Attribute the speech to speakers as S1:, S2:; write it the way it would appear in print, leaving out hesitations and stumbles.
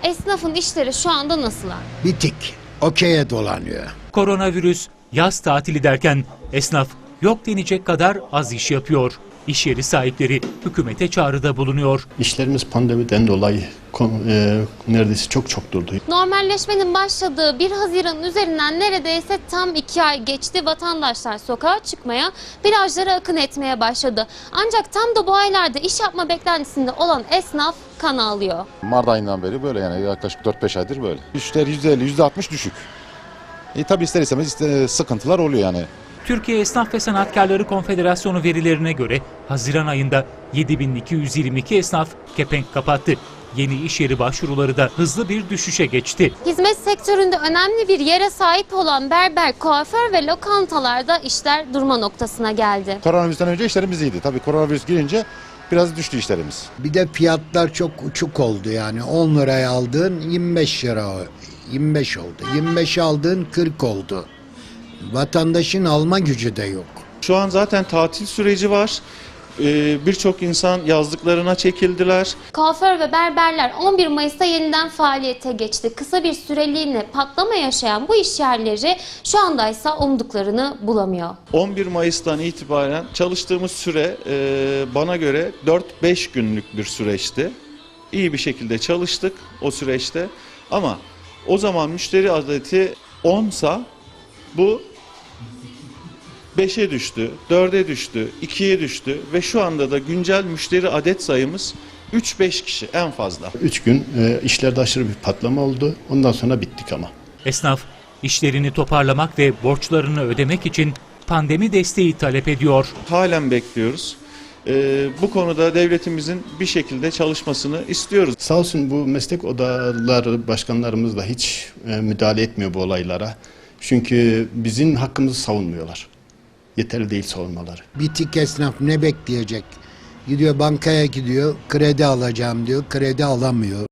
S1: Esnafın işleri şu anda nasıl?
S2: Bitik. Okey'e dolanıyor.
S3: Koronavirüs, yaz tatili derken esnaf yok denecek kadar az iş yapıyor. İş yeri sahipleri hükümete çağrıda bulunuyor.
S4: İşlerimiz pandemiden dolayı neredeyse çok durdu.
S1: Normalleşmenin başladığı 1 Haziran üzerinden neredeyse tam 2 ay geçti. Vatandaşlar sokağa çıkmaya, plajlara akın etmeye başladı. Ancak tam da bu aylarda iş yapma beklentisinde olan esnaf kan ağlıyor.
S5: Mart ayından beri böyle, yani yaklaşık 4-5 aydır böyle. İşler %50, %60 düşük. Tabii ister istemez sıkıntılar oluyor yani.
S3: Türkiye Esnaf ve Sanatkarları Konfederasyonu verilerine göre Haziran ayında 7.222 esnaf kepenk kapattı. Yeni iş yeri başvuruları da hızlı bir düşüşe geçti.
S1: Hizmet sektöründe önemli bir yere sahip olan berber, kuaför ve lokantalarda işler durma noktasına geldi.
S5: Koronavirüsten önce işlerimiz iyiydi. Tabii koronavirüs girince biraz düştü işlerimiz.
S2: Bir de fiyatlar çok uçuk oldu yani. 10 liraya aldığın 25 lira 25 oldu. 25 aldığın 40 oldu. Vatandaşın alma gücü de yok.
S6: Şu an zaten tatil süreci var. Birçok insan yazlıklarına çekildiler.
S1: Kuaför ve berberler 11 Mayıs'ta yeniden faaliyete geçti. Kısa bir süreliğine patlama yaşayan bu iş yerleri şu anda ise umduklarını bulamıyor.
S6: 11 Mayıs'tan itibaren çalıştığımız süre bana göre 4-5 günlük bir süreçti. İyi bir şekilde çalıştık o süreçte. Ama o zaman müşteri adeti 10'sa bu 5'e düştü, 4'e düştü, 2'ye düştü ve şu anda da güncel müşteri adet sayımız 3-5 kişi en fazla.
S4: 3 gün işlerde aşırı bir patlama oldu. Ondan sonra bittik ama.
S3: Esnaf işlerini toparlamak ve borçlarını ödemek için pandemi desteği talep ediyor.
S6: Halen bekliyoruz. Bu konuda devletimizin bir şekilde çalışmasını istiyoruz.
S4: Sağ olsun bu meslek odaları başkanlarımız da hiç müdahale etmiyor bu olaylara. Çünkü bizim hakkımızı savunmuyorlar. Yeterli değil savunmaları.
S2: Bitik esnaf ne bekleyecek? Gidiyor bankaya gidiyor, kredi alacağım diyor, kredi alamıyor.